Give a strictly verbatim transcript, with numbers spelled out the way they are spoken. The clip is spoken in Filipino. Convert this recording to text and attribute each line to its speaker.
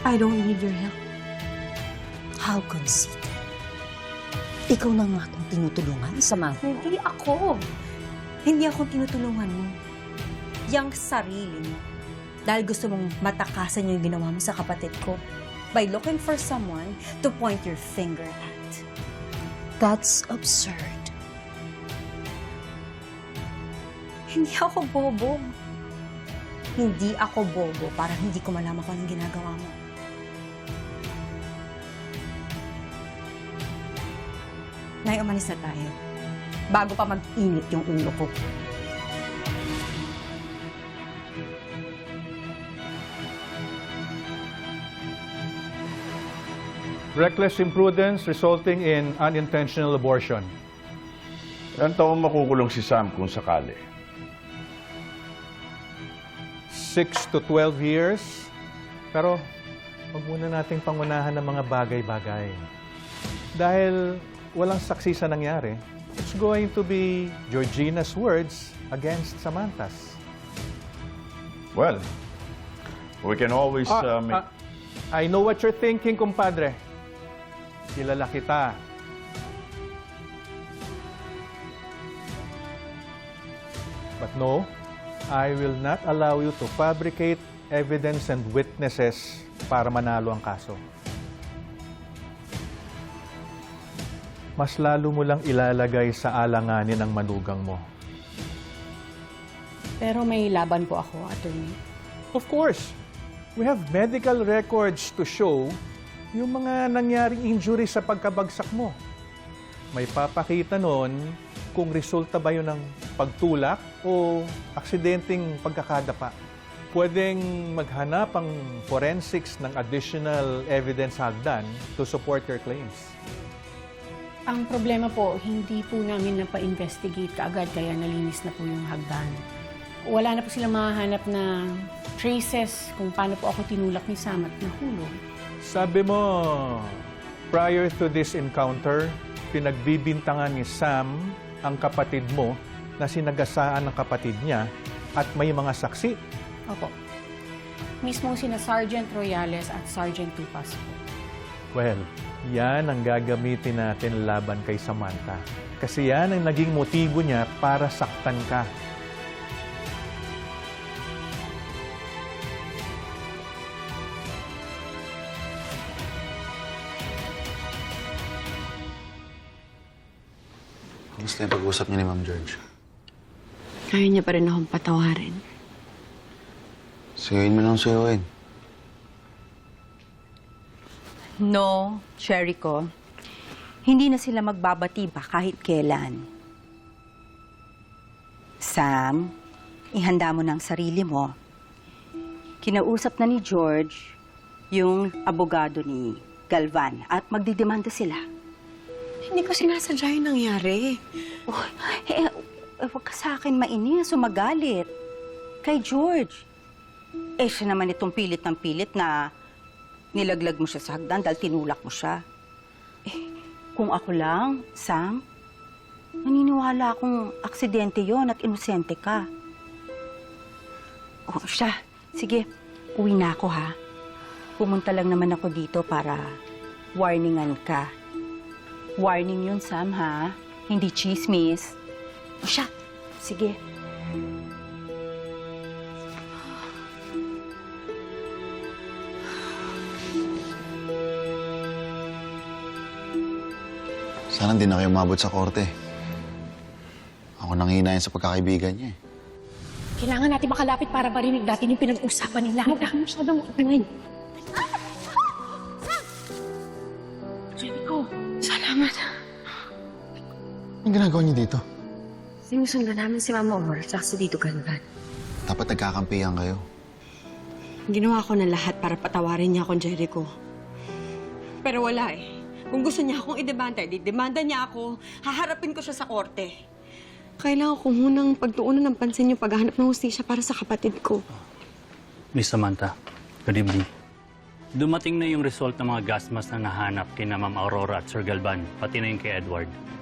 Speaker 1: I don't need your help.
Speaker 2: How conceited. Ikaw na nga akong tinutulungan, Samantha.
Speaker 1: Hindi ako. Hindi ako tinutulungan mo. Yang sarili mo. Dahil gusto mong matakasan yung ginawa mo sa kapatid ko by looking for someone to point your finger at.
Speaker 2: That's absurd.
Speaker 1: Hindi ako bobo. Hindi ako bobo para hindi ko malaman kung anong ginagawa mo. Nay, umalis na tayo. Bago pa mag-init yung ulo ko.
Speaker 3: Reckless imprudence resulting in unintentional abortion.
Speaker 4: Ilan taon makukulong si Sam kung sakali?
Speaker 3: six to twelve years. Pero, wag muna nating pangunahan ng mga bagay-bagay. Dahil walang saksi sa nangyari, it's going to be Georgina's words against Samantha's.
Speaker 4: Well, we can always
Speaker 3: Ah,
Speaker 4: uh, make...
Speaker 3: ah, I know what you're thinking, kumpadre. Kilala kita. But no, I will not allow you to fabricate evidence and witnesses para manalo ang kaso. Mas lalo mo lang ilalagay sa alanganin ang manugang mo.
Speaker 1: Pero may laban po ako, attorney.
Speaker 3: Of course, we have medical records to show yung mga nangyaring injury sa pagkabagsak mo. May papakita nun kung resulta ba yun ng pagtulak o aksidenteng pagkakadapa. Pwedeng maghanap ang forensics ng additional evidence hagdan to support your claims.
Speaker 5: Ang problema po, hindi po namin napa-investigate kaagad kaya nalinis na po yung hagdan. Wala na po silang mahahanap na traces kung paano po ako tinulak ni Sam at nahulog.
Speaker 3: Sabi mo, prior to this encounter, pinagbibintangan ni Sam ang kapatid mo na sinagasaan ng kapatid niya at may mga saksi.
Speaker 5: Opo. Mismo sina Sergeant Royales at Sergeant Tupas po.
Speaker 3: Well, yan ang gagamitin natin laban kay Samantha. Kasi yan ang naging motibo niya para saktan ka.
Speaker 6: Kamusta yung pag-uusap niya ni Ma'am George?
Speaker 7: Kaya niya pa rin akong patawarin.
Speaker 6: Suyuin mo nang suyuin.
Speaker 2: No, Cherry ko. Hindi na sila magbabati ba kahit kailan. Sam, ihanda mo ng sarili mo. Kinausap na ni George yung abogado ni Galvan at magdidemanda sila.
Speaker 7: Hindi ko sinasadya yung nangyari.
Speaker 2: Oh, eh, eh, wag ka sa akin mainis o magalit. Kay George. Eh, siya naman itong pilit ng pilit na nilaglag mo siya sa hagdan dahil tinulak mo siya. Eh, kung ako lang, Sam, naniniwala akong aksidente yon at inosente ka. Oh, siya. Sige, uwi na ako, ha? Pumunta lang naman ako dito para warningan ka. Warning yun, Sam, ha? Hindi chismis. O siya, sige.
Speaker 6: Sana hindi na kayo umabot sa korte. Ako nang hinayin sa pagkakaibigan niya eh.
Speaker 5: Kailangan natin makalapit para marinig natin yung pinag-usapan nila. Huwag na masyadong ingay.
Speaker 7: Jericho, salamat.
Speaker 6: Anong ginagawa niyo dito?
Speaker 7: Sinusundan namin si Mama Omar at si Dito Galvan.
Speaker 6: Dapat nagkakampihan kayo.
Speaker 7: Ginawa ko na lahat para patawarin niya akong Jericho. Pero wala eh. Kung gusto niya akong idemanda, di-demanda niya ako, haharapin ko siya sa korte. Kailangan ko munang pagtuunan ng pansin yung paghahanap ng hustisya para sa kapatid ko.
Speaker 8: Miss Samantha, good evening. Dumating na yung result ng mga gas mask na nahanap kina Ma'am Aurora at Sir Galvan, pati na yung kay Edward.